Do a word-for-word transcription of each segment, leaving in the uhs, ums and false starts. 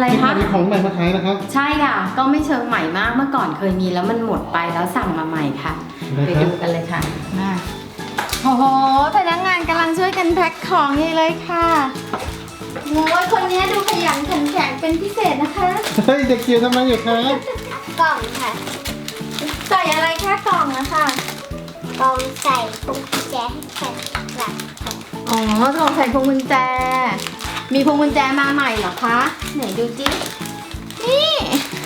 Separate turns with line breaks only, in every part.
อะไรคะ
มีของใหม่มาขายนะครับ
ใช่ค่ะก็ไม่เชิงใหม่มากเมื่อก่อนเคยมีแล้วมันหมดไปแล้วสั่งมาใหม่ค่ะไปดูกันเลยค่ะมาโอ้โหพนักงานกำลังช่วยกันแพ็คของนี่เลยค่ะโอ้ยคนนี้ดูขยันขันแข็งเป็นพิเศษนะคะ
เฮ้ยเด็กจิ๋วทำไมอยู่คะ
กล่องค่ะ
ใส่อะไรแค่กล่องนะคะ
กล่องใส่พวงกุญแจให้แข็งหลักค่ะ
อ๋อกล่องใส่พวงกุญแจมีพวงกุญแจมาใหม่เหรอคะไหนดูจินี่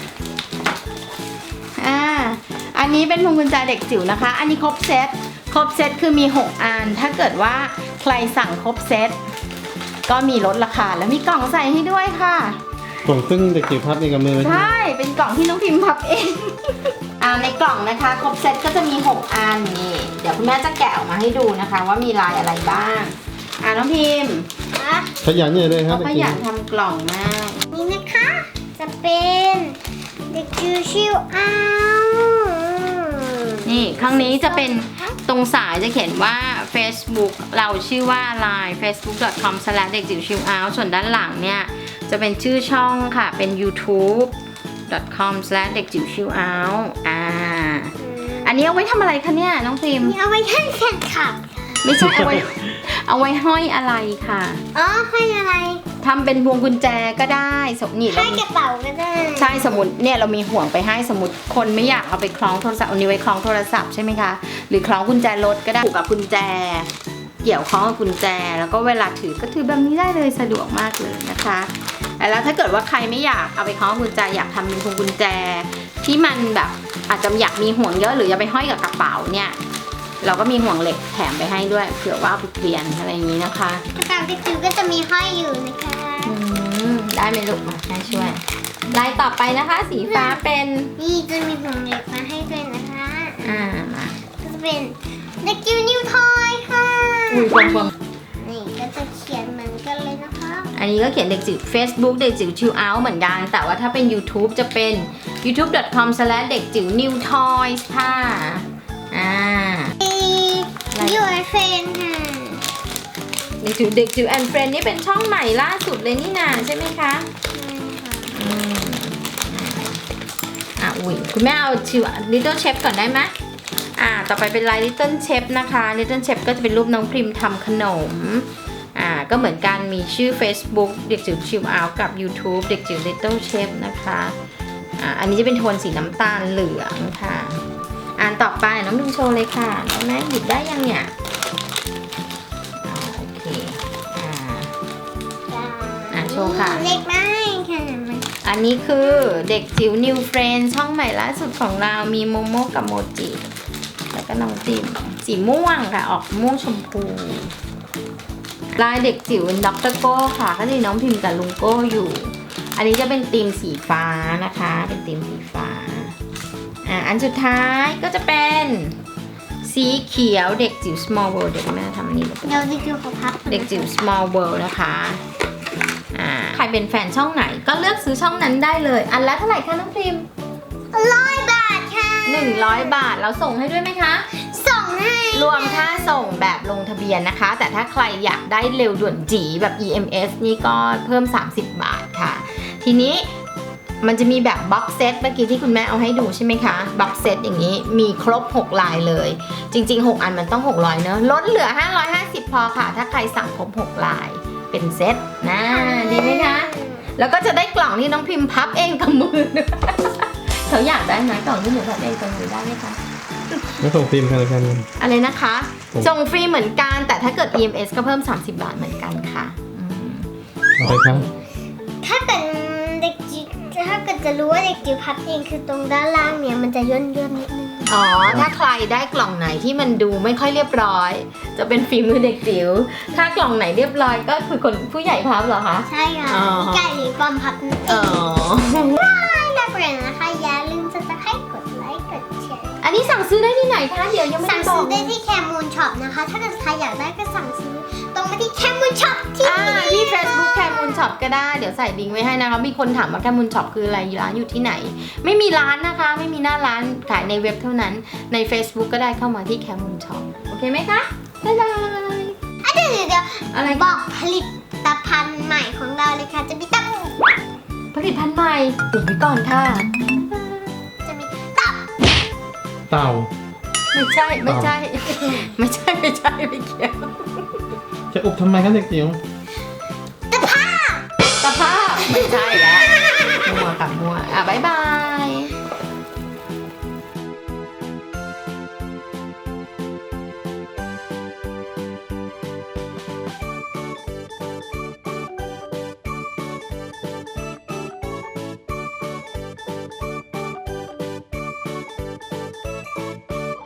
อ่าอันนี้เป็นพวงกุญแจเด็กจิ๋วนะคะอันนี้ครบเซตครบเซตคือมีหกอันถ้าเกิดว่าใครสั่งครบเซตก็มีลดราคาแล้วมีกล่องใส่ให้ด้วยค่ะ
กล่องซึ่งเด็กจิ๋วพับเองกับมือ
ใช่เป็นกล่องที่น้องพิมพ์พับเอง อ่าในกล่องนะคะครบเซตก็จะมีหกอันนี่เดี๋ยวคุณแม่จะแกะออกมาให้ดูนะคะ ว่ามีลายอะไรบ้างอ่าน้องพิมพ์
นะ
ขยันใหญ่เลยครับ
เขาขยันทำกล่องมาก
นี่นะคะจะเป็นเด็กจิ๋วชิวอ้าว
นี่ข้างนี้จะเป็นตรงสายจะเขียนว่า Facebook เราชื่อว่า ไลน์ เฟซบุ๊ก ดอท คอม สแลช เด็กจิ๋วชิลเอาท์ ส่วนด้านหลังเนี่ยจะเป็นชื่อช่องค่ะเป็น ยูทูบ ดอท คอม สแลช เด็กจิ๋วชิลเอาท์อ่าอันนี้เอาไว้ทำอะไรคะเนี่ยน้องพิมพ์
นี่เอาไว้ให้แฟนคลับ
ไม่ใช่เอาไว้ เอาไว้ห้อยอะไรค่ะ
อ๋อให้อะไร
ทำเป็นพวงกุญแจก็ได้สมนี่เรา
ให้กระเป๋าก็ได้
ใช่สมมติเนี่ยเรามีห่วงไปให้สมมติคนไม่อยากเอาไปคล้องโทรศัพท์เอานี้วไว้คล้องโทรศัพท์ใช่ไหมคะหรือคล้องกุญแจรถก็ได้ผูกกับกุญแจ เกี่ยวข้องกับกุญแจแล้วก็เวลาถือก็ถือแบบนี้ได้เลยสะดวกมากเลยนะคะแล้วถ้าเกิดว่าใครไม่อยากเอาไปคล้องกุญแจอยากทำเป็นพวงกุญแจที่มันแบบอาจจะอยากมีห่วงเยอะหรือจะไปห้อยกับกระเป๋าเนี่ยเราก็มีห่วงเหล็กแถมไปให้ด้วยเผื่อว่าเอาไปเปลี่ยนอะไรอย่างนี้นะคะ
กระเป๋าเด็กจิ๋วก็จะมีห้อยอยู่นะคะ
อืมได้ไหมลูกมาแม่ช่วยลายต่อไปนะคะ สีฟ้าเป็น
นี่จะมีห่วงเหล็กมาให้ด้วยนะคะ
อ่ามา
ก็จะเป็นเด็กจิ๋วนิวทอยค่ะ
อุ้ยฟองฟอง
นี่ก็จะเขียนเหมือนกันเลยนะคะ
อันนี้ก็เขียนเด็กจิ๋ว Facebook เด็กจิ๋วชิลเอาท์เหมือนกันแต่ว่าถ้าเป็น YouTube จะเป็น ยูทูบ ดอท คอม สแลช เด็กจิ๋วนิวทอยส์ค่ะอ่า
ยูไอเฟนค่ะ
เด็กจิ๋วเด็กจิ๋วแอนด์เฟรนนี่เป็นช่องใหม่ล่าสุดเลยนี่นาใช่ไหมคะอืมอ่ะอุ้ยคุณแม่เอาชิว Little Chef ก่อนได้ไหมอ่าต่อไปเป็นลาย Little Chef นะคะ Little Chef ก็จะเป็นรูปน้องพริมทำขนมอ่าก็เหมือนกันมีชื่อ Facebook เด็กจิ๋วชิลเอาท์กับ YouTube เด็กจิ๋ว Little Chef นะคะอ่าอันนี้จะเป็นโทนสีน้ำตาลเหลืองค่ะอ่านต่อไปน้องพิมโชว์เลยค่ะน้องแม่หยิบได้ยังเนี่ยอ่าโอเคอ่า อ่ะโชว์ค่ะ
เล็กได้ค่ะมัน
อันนี้คือเด็กจิ๋ว New Friend ช่องใหม่ล่าสุดของเรามีโมโมกับโมจิแล้วก็น้องจิมสีม่วงค่ะออกม่วงชมพูลายเด็กจิ๋วด็อกเตอร์โก้ค่ะก็จะมีน้องพิมพ์กับลุงโก้อยู่ อันนี้จะเป็นธีมสีฟ้านะคะเป็นธีมสีฟ้าอ่ะอันสุดท้ายก็จะเป็นสีเขียวเด็กจิ๋ว Small World เดี๋ยวแม่ทำอันนี้เลย
เดี๋ยวเด็กจิ๋วขอพับ
เด็กจิ๋ว Small World นะคะอ่าใครเป็นแฟนช่องไหนก็เลือกซื้อช่องนั้นได้เลย อันละเท่าไหร่คะน้องพิมพ์
ร้อยบาทค่ะ
หนึ่งร้อยบาทเราส่งให้ด้วยไหมคะ
ส่งให้
รวมค่าส่งแบบลงทะเบียนนะคะ แต่ถ้าใครอยากได้เร็วด่วนจีแบบ อี เอ็ม เอส นี่ก็เพิ่มสามสิบบาทค่ะ ทีนี้มันจะมีแบบบ็อกเซตเมื่อกี้ที่คุณแม่เอาให้ดูใช่ไหมคะบ็อกเซตอย่างนี้มีครบหกลายเลย จริงๆหกอันมันต้องหกร้อยเนอะลดเหลือห้าร้อยห้าสิบพอค่ะ ถ้าใครสั่งครบหกลายเป็นเซตนะดีไหมคะแล้วก็จะได้กล่องที่น้องพิมพ์พับเองกับมือ เขาอยากได้ไหมกล่องที่หนูพับเองกับมือได้ไหมคะ
แล้วส่งฟิล์มกันแล้วกัน
อะไรนะคะ
ส่ง
ส่งฟรีเหมือนกันแต่ถ้าเกิด อี เอ็ม เอส ก็เพิ่มสามสิบบาทเหมือนกันค่ะอืม
เอาไปครับ
ถ้าเกิดเด็กจิ๋วถ้าเกิดจะรู้ว่าเด็กจิ๋วพับเองคือตรงด้านล่างเนี่ยมันจะย่นย่นๆนิดนึง
อ๋อถ้าใครได้กล่องไหนที่มันดูไม่ค่อยเรียบร้อย จะเป็นฝีมือเด็กจิ๋วถ้ากล่องไหนเรียบร้อยก็คือคนผู้ใหญ่พับเหรอคะ
ใช่ค่ะ
อ๋อ
ไก่หรือปอมพับนั่นเอ
อ๋อง
ได้แล้วเปลี่ยนนะคะอย่าลืมจะตะไคร้กดไลค์กดแชร์
อันนี้สั่งซื้อได้ที่ไหนคะเดี๋ยวยังไม่
สั่
ได้
ง
บอ
ซื้
ก
อได้ที่แคมูนช็อปนะคะ ถ้าเกิดใครอยากได้ก็สั่งซื้อตรงมาที่แคมูนช็อปที่
อ่าที่ Facebook แคมูลช็อปก็ได้เดี๋ยวใส่ลิงก์ไว้ให้นะคะมีคนถามว่าแคมูลช็อปคืออะไรร้านอยู่ที่ไหน ไม่มีร้านนะคะ ไม่มีหน้าร้านขายในเว็บเท่านั้นใน Facebook ก็ได้เข้ามาที่แคมูลช็อปโอเคไหมคะบ๊ายบาย
อ่ะเดี๋ยวเดี๋ยว
อะไร
บอกผลิตภัณฑ์ใหม่ของเราเลยค่ะจะมีตั้ง
ผผลิตภัณฑ์ใหม่อุบไว้ก่อนค่ะ
จะมีตับ
เต่า
ไม่ใช่ไม่ใช่ ไม่ใช่ไม่ใช่ไม่เกี่ยว
จะอุบทำไมครับเด็กจิ๋ว
ตะภาพ
ตะภาพไม่ใช่แล้วมัวค่ะมัวอ่ะบ๊ายบา